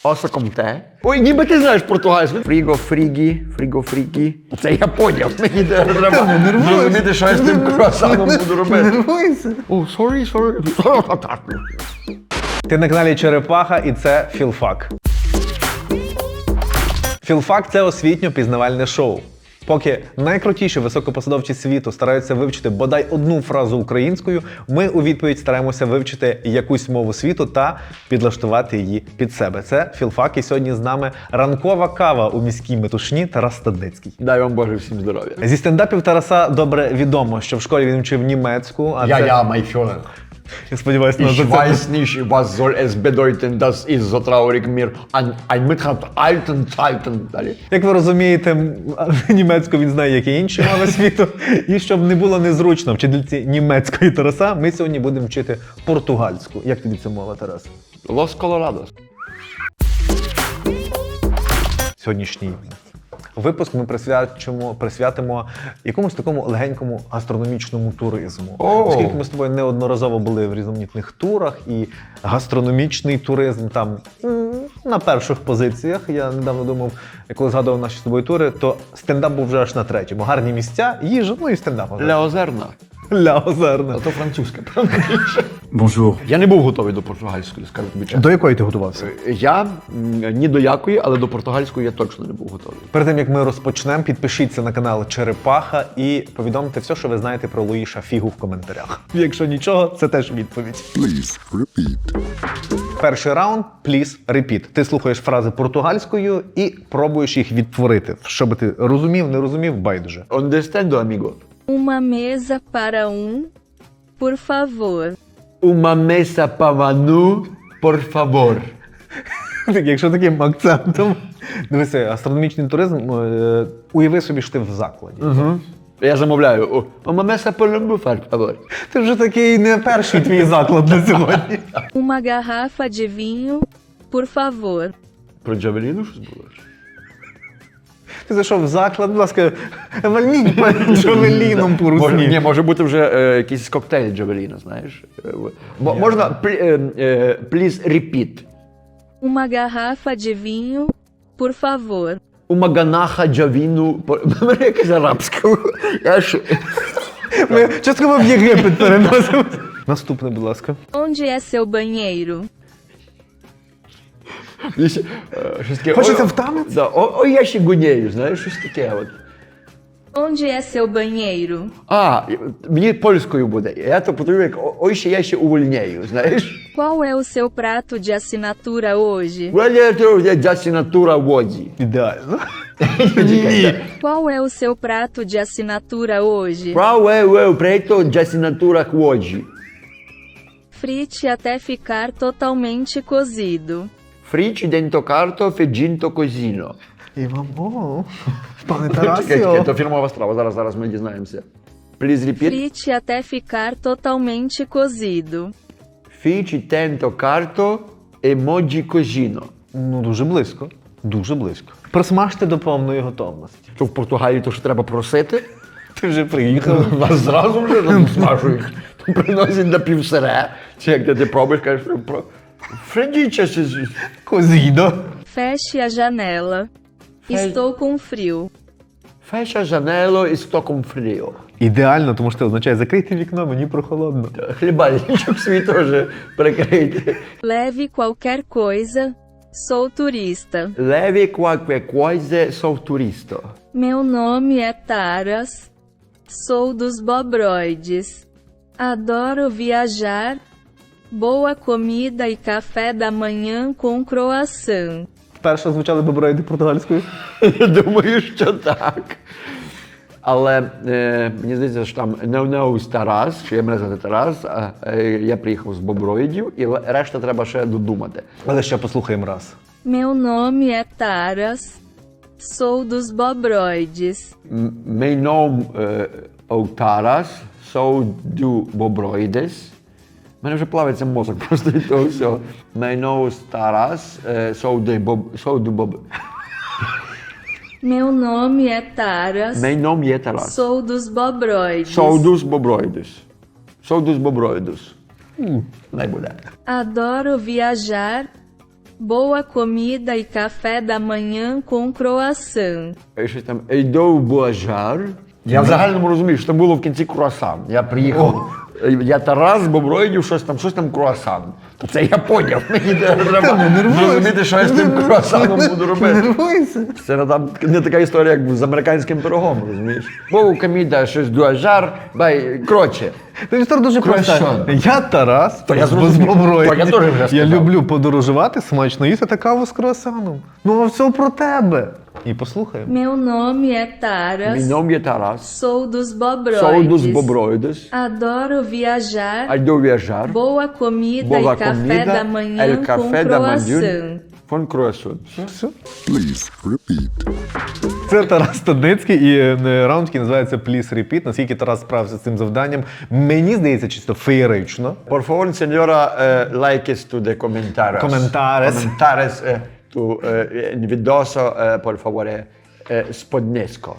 Оса комте. Ой, ніби ти знаєш португальську. Фріго, фрігі, фріго, фрігі. Це я поняв. Мені треба зрозуміти, що я з тим круасаном буду робити. Нервуйся. О, sorry. Ти на каналі Черепаха і це Філфак. Філфак – це освітньо-пізнавальне шоу. Поки найкрутіші високопосадовці світу стараються вивчити бодай одну фразу українською, ми у відповідь стараємося вивчити якусь мову світу та підлаштувати її під себе. Це Філфак, і сьогодні з нами ранкова кава у міській метушні Тарас Стадницький. Дай вам Боже всім здоров'я. Зі стендапів Тараса добре відомо, що в школі він вчив німецьку, а це... mein Führer. Я сподіваюся, Ich на weiß nicht, was soll es bedeuten, dass ich so traurig mir ein Mitrat alten Zeiten. Далі. Як ви розумієте, німецьку він знає, як і інші мови світу. І щоб не було незручно вчительці німецької Тараса, ми сьогодні будемо вчити португальську. Як тобі ця мова, Тарас? Los Colorados. Сьогоднішній випуск ми присвятимо якомусь такому легенькому гастрономічному туризму. Оскільки ми з тобою неодноразово були в різноманітних турах, і гастрономічний туризм там на перших позиціях. Я недавно думав, коли згадував наші з тобою тури, то стендап був вже аж на третьому. Гарні місця, їжа, ну і стендап. Ля Озерна. Ля Озерна. А то французьке, правда? Bonjour. Я не був готовий до португальської, скажу тобі чесно. До якої ти готувався? Я ні до якої, але до португальської я точно не був готовий. Перед тим, як ми розпочнемо, підпишіться на канал Черепаха і повідомте все, що ви знаєте про Луїша Фігу в коментарях. Якщо нічого, це теж відповідь. Please repeat. Перший раунд – please repeat. Ти слухаєш фрази португальською і пробуєш їх відтворити. Що би ти розумів, не розумів, байдуже. Understando, amigo. Uma mesa para por favor. Uma mesa para nu, por favor. Якщо таким акцентом. Дивися, астрономічний туризм, уяви собі, що ти в закладі. Я замовляю. Uma mesa para nu, por favor. Ти вже такий не перший твій заклад на сьогодні. Uma garrafa de vinho, por favor. Про Джавеліну щось було? Ти зайшов в заклад, будь ласка, вальніть перед Джавеліном по русні. Ні, може бути вже якийсь коктейль Джавеліна, знаєш. Можна please repeat. Uma garrafa de vinho, por favor. Uma ganaha Джавіну. Мене якась арабська. Ми частково в Єгипет переносимо. Наступне, будь ласка. Onde é seu banheiro? Щось таке. Хочеться в танець? Да. Ой, я ще гунєю, знаєш, щось таке от. Onde é seu banheiro? Мені польською буде. Я то подумав, як ой, ще я ще увольняю, знаєш. Qual é o seu prato de assinatura hoje? Я асінатура воді. Ідеально. Qual é o seu prato de assinatura hoje? Qual é o preto de assinatura воді? Frite até ficar totalmente cozido. Frici dentro carto fegginto cosino. І мамо, пане Чекай, Тарасіо. то фірмова страва, зараз ми дізнаємося. Please repeat. Frite até ficar totalmente cozido. Frici dentro carto emoji cosino. Ну, дуже близько. Дуже близько. Просмажте до повної готовності. Що в Португалії то, що треба просити? Ти вже приїхав. Вас зразу вже там смажують. Приносять на півсире. Чи як ти пробуєш, кажеш, Фредіча щось. Козідо. Feche a janela. Estou com frio. Fecha janelo e sto con frio. Ідеально, тому що це означає закрийте вікно, мені прохолодно. Хлібальничок свій теж прикрийте. Leve qualquer coisa. Sou turista. Leve qualquer coisa, sou turista. Meu nome é Taras. Sou dos Bobroides. Adoro viajar. Boa comida e café da manhã com croissant. Вперше звучали боброїди португальською. Я думаю, що так. Але мені здається, що там no Тарас, що я мене звати Тарас, я приїхав з Боброїдів, і решта треба ще додумати. Але ще послухаємо раз. Meu nome é Taras. Sou dos Bobroides. Meu nome é Тарас, sou do Bobroides. У мене вже плавиться мозок просто від того всього. Meu nome é Тарас, sou do Bob... Meu nome é Taras. Meu nome é Тарас. Sou dos Bobroides. Sou dos Bobroides. Sou dos Bobroides. Не буде. Adoro viajar. Boa comida e café da manhã com croissant. І щось там «Ейдов Буажар». Я в загальному розумію, що там було в кінці круасан. Я приїхав, я Тарас з Боброїдів, щось там круасан. То це я поняв, мені треба зрозуміти, що я з тим круасаном буду робити. Це не така історія, як з американським пирогом, розумієш? Бо коміда, щось дуажар, коротше. Ти ж дуже просто. Я Тарас, То я з зрозумів. Боброїдів. То я теж вже Я сказав. люблю подорожувати, смачно їсти та каву з круасаном. Ну, а все про тебе. І послухаємо. Meu nome é Taras. Мій nom є Тарас. Sou dos Bobroides. Sou dos Bobroides. Adoro viajar. Ейдов Буажар. Boa comida Boa e café comida, da manhã el com café da manhã. croissant. Фон круасан. Все. Please repeat. Це Тарас Стадницький і раунд, який називається Please Repeat. Наскільки Тарас справився з цим завданням, мені здається, чисто феєрично. Por favor, señora, likes to the comentarios. Comentares. Comentares to invidoso, por favore, spodnesco.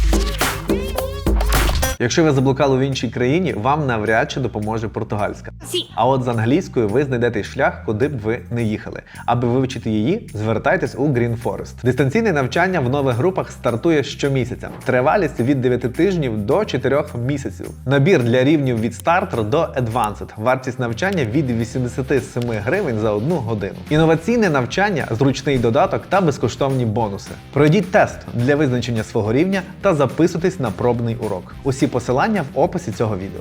Якщо ви заблукали в іншій країні, вам навряд чи допоможе португальська. А от з англійською ви знайдете шлях, куди б ви не їхали. Аби вивчити її, звертайтесь у Green Forest. Дистанційне навчання в нових групах стартує щомісяця. Тривалість від 9 тижнів до 4 місяців. Набір для рівнів від Starter до Advanced. Вартість навчання від 87 гривень за 1 годину. Інноваційне навчання, зручний додаток та безкоштовні бонуси. Пройдіть тест для визначення свого рівня та записуйтесь на пробний урок. Усі посилання в описі цього відео.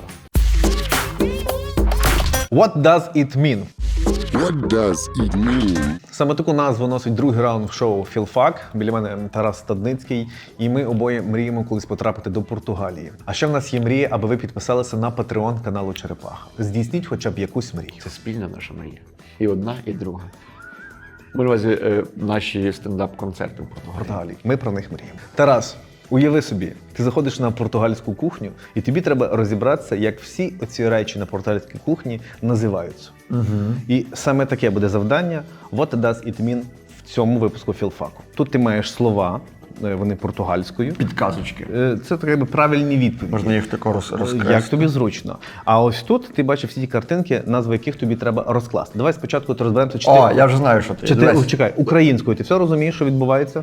What does it mean? What does it mean? Саме таку назву носить другий раунд в шоу «Філфак». Біля мене Тарас Стадницький, і ми обоє мріємо колись потрапити до Португалії. А ще в нас є мрія, аби ви підписалися на Patreon каналу Черепаха. Здійсніть хоча б якусь мрію. Це спільна наша мрія. І одна, і друга. Ми на увазі наші стендап-концерти в Португалії. Португалії. Ми про них мріємо. Тарас, уяви собі, ти заходиш на португальську кухню, і тобі треба розібратися, як всі оці речі на португальській кухні називаються. І саме таке буде завдання What does it mean в цьому випуску Філфаку. Тут ти маєш слова, вони португальською. Підказочки. Це так, якби правильні відповіді. Можна їх тако розкрести. Як тобі зручно. А ось тут ти бачив всі ті картинки, назви яких тобі треба розкласти. Давай спочатку розберемося, чи О, ти... я вже знаю, що ти. Чи ти, Дивись. чекай, українською ти все розумієш, що відбувається?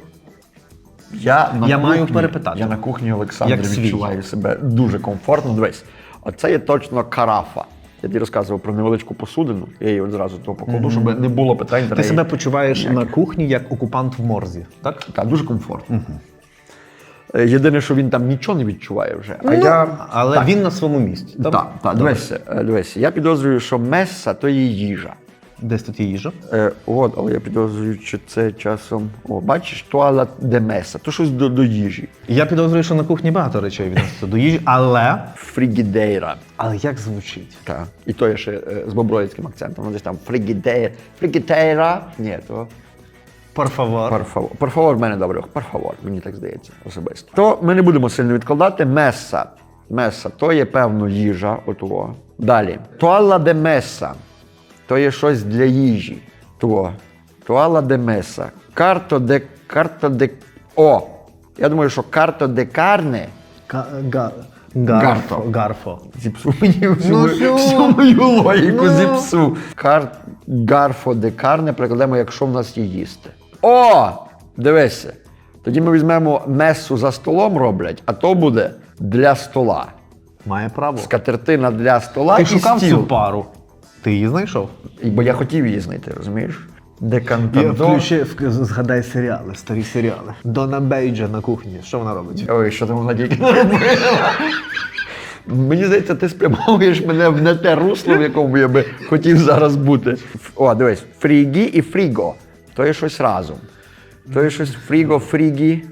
Я маю перепитати. Я на кухні Олександрі Як свій. відчуваю себе дуже комфортно. Дивись, оце є точно карафа. Я тобі розказував про невеличку посудину, я її одразу того покладу, щоб не було питань. Ти себе почуваєш на кухні як окупант в морзі, так? Так, дуже комфортно. Єдине, що він там нічого не відчуває вже. Але Так. він на своєму місці. Так. Дивись, я підозрюю, що меса то є їжа. Десь тут є їжа. Але я підозрюю, що це часом. Бачиш, туала де меса, то щось до їжі. Я підозрюю, що на кухні багато речей відноситься до їжі, але Фрігідейра. Але як звучить? Так. І то є ще з боброїцьким акцентом. Десь там фрігідейра. Ні, то. Por favor. Por favor, в мене добре. Por favor, мені так здається особисто. То ми не будемо сильно відкладати. Меса. Меса то є певно їжа. Отого. Далі. Туала де меса. То є щось для їжі. Туала де меса. Карто де. О! Я думаю, що карто де карне. Гарфо. Гарфо. Зіпсу мені всю мою логіку зіпсу. Гарфо де карне прикладемо, якщо в нас є їсти. О! Дивися. Тоді ми візьмемо месу за столом роблять, а то буде для стола. Має право. Скатертина для стола Ти і шукав стіл. цю пару. Ти її знайшов? Бо я хотів її знайти, розумієш? Декантадо. Згадай серіали, старі серіали. Дона Бейджа на кухні. Що вона робить? Ой, що там вона тільки не робила. Мені здається, ти спрямовуєш мене в не те русло, в якому я би хотів зараз бути. О, дивись, фрігі і фріго. То є щось разом. То є щось фрігі.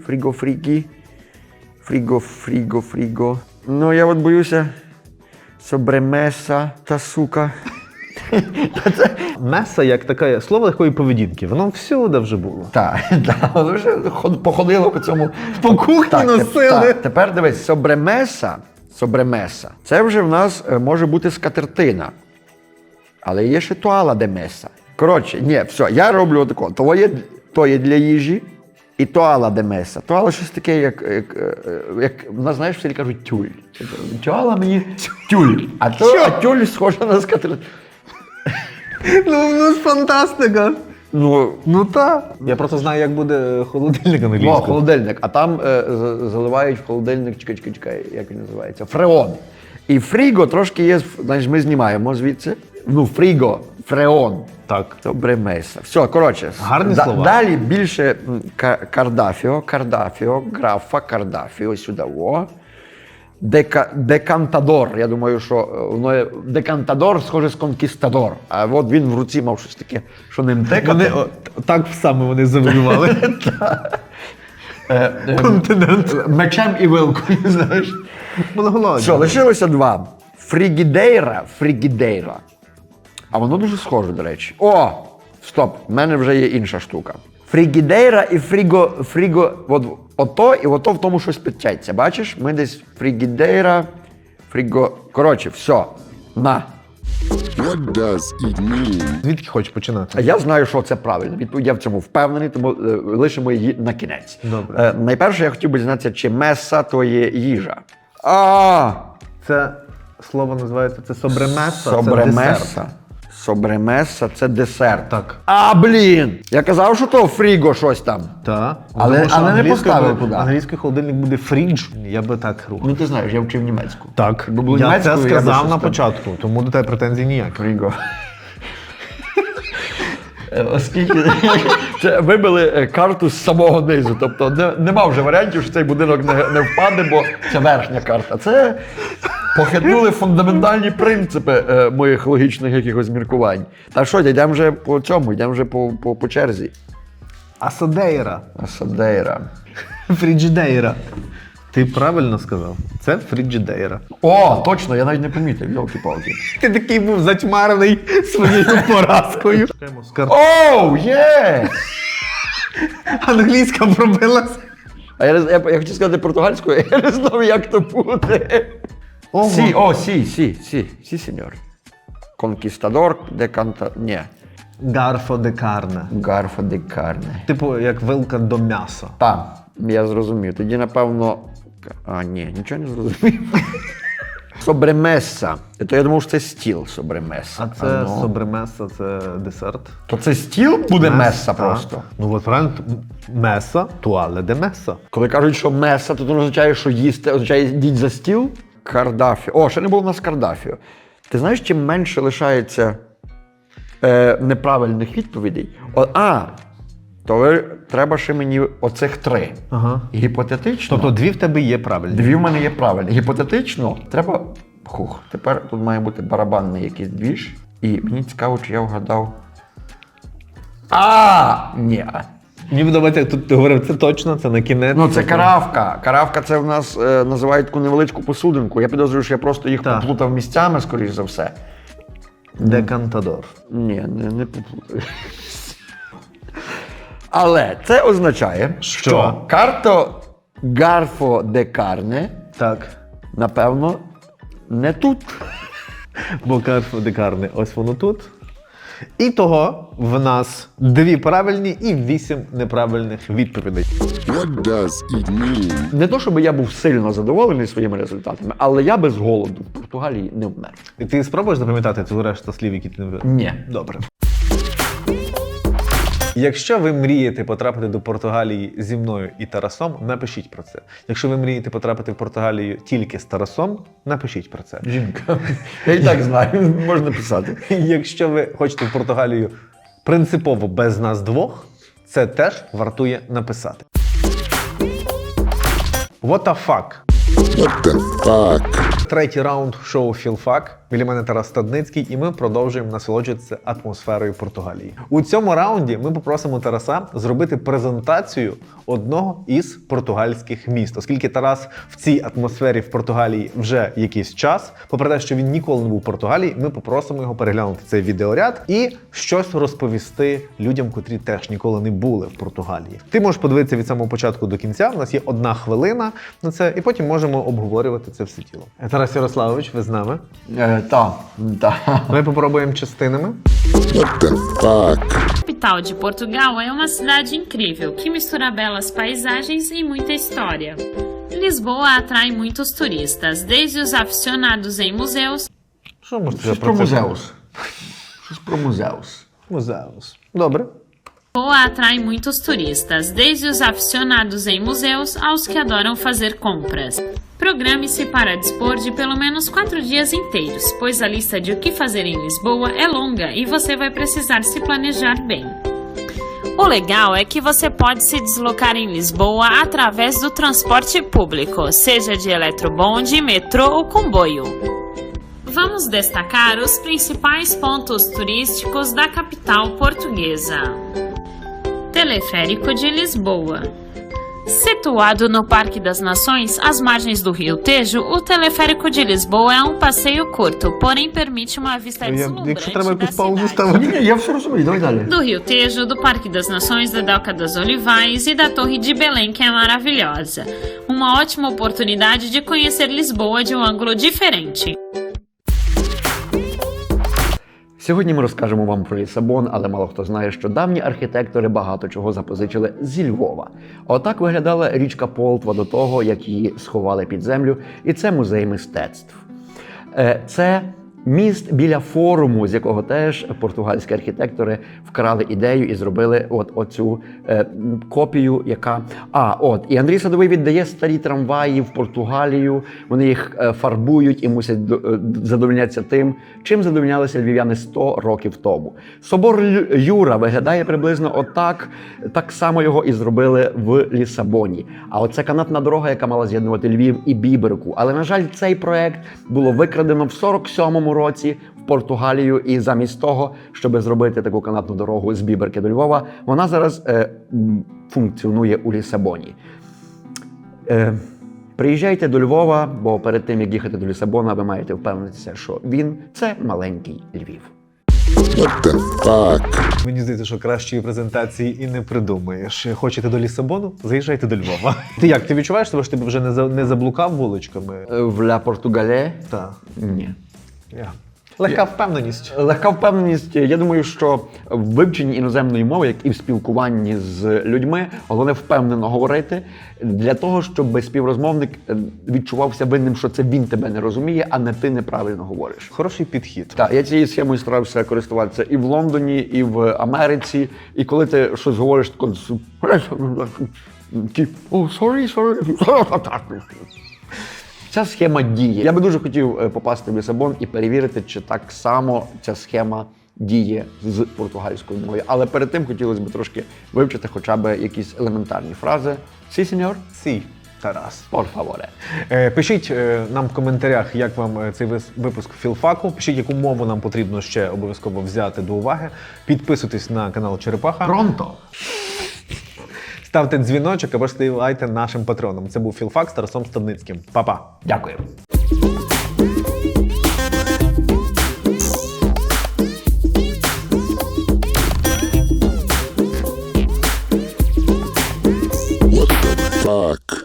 Фріго. Ну, я от боюся. Собремеса та сука. Меса як таке слово легкої поведінки. Воно всюди вже було. Так, воно вже походило по цьому. По кухні носили. Тепер дивись, собремеса. Це вже в нас може бути скатертина. Але є ще туала де меса. Коротше, ні, все, я роблю отако. То є для їжі і туала де меса. Туала щось таке, як в нас, знаєш, всі кажуть тюль. Туала мені тюль. А тюль схожа на скатертину. Ну, фантастика. Ну так. Я просто знаю, як буде холодильник О, англійською. холодильник. А там заливають в холодильник, чекай, як він називається? Фреон. І фріго трошки є, знаєш, ми знімаємо звідси. Ну, фріго, фреон. Так. Добре меса. Все, коротше. Гарні слова. Далі більше кардафіо, графа, кардафіо, сюди, о. Декантадор. Я думаю, що воно декантадор схоже з конкістадор. А от він в руці мав щось таке, що ним текати. Так саме вони завоювали. Континент. Мечем і вилкою, знаєш. Монголоїд. Все, лишилося два. Фрігідейра. А воно дуже схоже, до речі. О! Стоп, в мене вже є інша штука. Фрігідейра і фріго, от ото і ото в тому щось підтяться. Бачиш? Ми десь фрігідейра, фріго. Коротше, все. На. What does it mean? Звідки хочеш починати? А я знаю, що це правильно. Відповідь я в цьому впевнений, тому лишимо її на кінець. Добре. Найперше, я хотів би дізнатися, чи меса то є їжа. Це слово називається собремеса. Це десерт. Собремеса. Собремеса це десерт. Так. Блін! Я казав, що то фріго щось там. Так. Але не англійською поставив буде- туди. Англійський холодильник буде фрідж. Я би так рухав. Ну ти знаєш, я вчив німецьку. Так. Якби було Я це німецькою, я би сказав щось на там- початку, тому до тебе претензій ніяких. Фріго. Оскільки це вибили карту з самого низу. Тобто нема вже варіантів, що цей будинок не впаде, бо це верхня карта. Це похитнули фундаментальні принципи моїх логічних якихось міркувань. Та що, йдемо вже по цьому, йдемо вже по черзі. Асадейра. Асадейра. Фріджідейра. Ти правильно сказав. Це фріджідейра. О, точно, я навіть не помітив, йолки-палки. Ти такий був затьмарений своєю поразкою. Оу, є! Англійська пробилась. А я хотів сказати португальською, я не знав, як то буде. Сі, сеньор. Конкістадор де канта... Ні. Гарфо де карне. Гарфа де карне. Типу, як вилка до м'яса. Так, я зрозумів. Тоді, напевно... ні, нічого не зрозумів. Собремеса. То я думав, що це стіл собремеса. А це собремеса, це десерт. То це стіл буде меса так. просто? Ну от правильно, меса, туале де меса. Коли кажуть, що меса, то це означає, що їсти, означає йдіть за стіл. Кардафіо. О, ще не було в нас кардафіо. Ти знаєш, чим менше лишається неправильних відповідей? То треба ще мені оцих 3. Ага. Гіпотетично. Тобто 2 в тебе є правильні. 2 в мене є правильні. Гіпотетично треба. Тепер тут має бути барабанний якийсь двіж. І мені цікаво, чи я вгадав. Ні. Мені подобається, як тут ти говорив, це точно, це на кінець. Ну, це каравка. Каравка це в нас називають таку невеличку посудинку. Я підозрюю, що я просто їх Так. поплутав місцями, скоріш за все. Декантадор. Ні, не поплутав. Але це означає, що карто Гарфо де Карне, Так. напевно, не тут. Бо Гарфо де карне, ось воно тут. І того в нас 2 правильні і 8 неправильних відповідей. What does it mean? Не то, щоб я був сильно задоволений своїми результатами, але я без голоду в Португалії не вмер. І ти спробуєш запам'ятати цю решту слів, які ти не вибрав? Ні. Добре. Якщо ви мрієте потрапити до Португалії зі мною і Тарасом, напишіть про це. Якщо ви мрієте потрапити в Португалію тільки з Тарасом, напишіть про це. Жінка. Я і так знаю, можна писати. Якщо ви хочете в Португалію принципово без нас двох, це теж вартує написати. What the fuck? What the fuck? Третій раунд шоу «Філфак». Біля мене Тарас Стадницький, і ми продовжуємо насолоджуватися атмосферою Португалії. У цьому раунді ми попросимо Тараса зробити презентацію одного із португальських міст. Оскільки Тарас в цій атмосфері в Португалії вже якийсь час, попри те, що він ніколи не був в Португалії, ми попросимо його переглянути цей відеоряд і щось розповісти людям, котрі теж ніколи не були в Португалії. Ти можеш подивитися від самого початку до кінця, у нас є 1 хвилина на це, і потім можемо обговорювати це все тіло. Тарас Ярославович, ви з нами? Так. Ми попробуємо частинами. What the fuck? A capital de Portugal é uma cidade incrível que mistura belas paisagens e muita história. Lisboa atrai muitos turistas, desde os aficionados em museus. Що можете Щось про музеус. Щось про музеус. Музеус. Добре. Lisboa atrai muitos turistas, desde os aficionados em museus aos que adoram fazer compras. Programe-se para dispor de pelo menos 4 dias inteiros, pois a lista de o que fazer em Lisboa é longa e você vai precisar se planejar bem. O legal é que você pode se deslocar em Lisboa através do transporte público, seja de eletrobonde, metrô ou comboio. Vamos destacar os principais pontos turísticos da capital portuguesa. Teleférico de Lisboa. Situado no Parque das Nações, às margens do Rio Tejo, o Teleférico de Lisboa é um passeio curto, porém permite uma vista deslumbrante da cidade. Я все розумію, давай далі. Do Rio Tejo, do Parque das Nações, da Doca das Olivais e da Torre de Belém, que é maravilhosa. Uma ótima oportunidade de conhecer Lisboa de um ângulo diferente. Сьогодні ми розкажемо вам про Лісабон, але мало хто знає, що давні архітектори багато чого запозичили зі Львова. Отак виглядала річка Полтва до того, як її сховали під землю, і це музей мистецтв. Це міст біля форуму, з якого теж португальські архітектори вкрали ідею і зробили оцю копію, яка... І Андрій Садовий віддає старі трамваї в Португалію, вони їх фарбують і мусять задовольнятися тим, чим задовольнялися львів'яни 100 років тому. Собор Юра виглядає приблизно отак, так само його і зробили в Лісабоні. А оце канатна дорога, яка мала з'єднувати Львів і Біберку. Але, на жаль, цей проект було викрадено в 47-му році в Португалію, і замість того, щоб зробити таку канатну дорогу з Біберки до Львова, вона зараз функціонує у Лісабоні. Приїжджайте до Львова, бо перед тим, як їхати до Лісабона, ви маєте впевнитися, що він – це маленький Львів. What the fuck? Мені здається, що кращої презентації і не придумаєш. Хочете до Лісабону? Заїжджайте до Львова. Ти як? Ти відчуваєш себе, що ти вже не заблукав вуличками? В Ля Португале? Так. Ні. Легка впевненість. Легка впевненість. Я думаю, що в вивченні іноземної мови, як і в спілкуванні з людьми, головне впевнено говорити для того, щоб співрозмовник відчувався винним, що це він тебе не розуміє, а не ти неправильно говориш. Хороший підхід. Так, я цією схемою старався користуватися і в Лондоні, і в Америці. І коли ти щось говориш, тако... sorry. Ця схема діє. Я би дуже хотів попасти в Лісабон і перевірити, чи так само ця схема діє з португальською мовою. Але перед тим хотілося б трошки вивчити хоча б якісь елементарні фрази. Сі, сеньор? Сі, Тарас. Por favore. Пишіть нам в коментарях, як вам цей випуск філфаку. Пишіть, яку мову нам потрібно ще обов'язково взяти до уваги. Підписуйтесь на канал Черепаха. Пронто! Ставте дзвіночок або ж ставайте нашим патроном. Це був Філфак з Тарасом Стадницьким. Па-па! Дякую. What the fuck?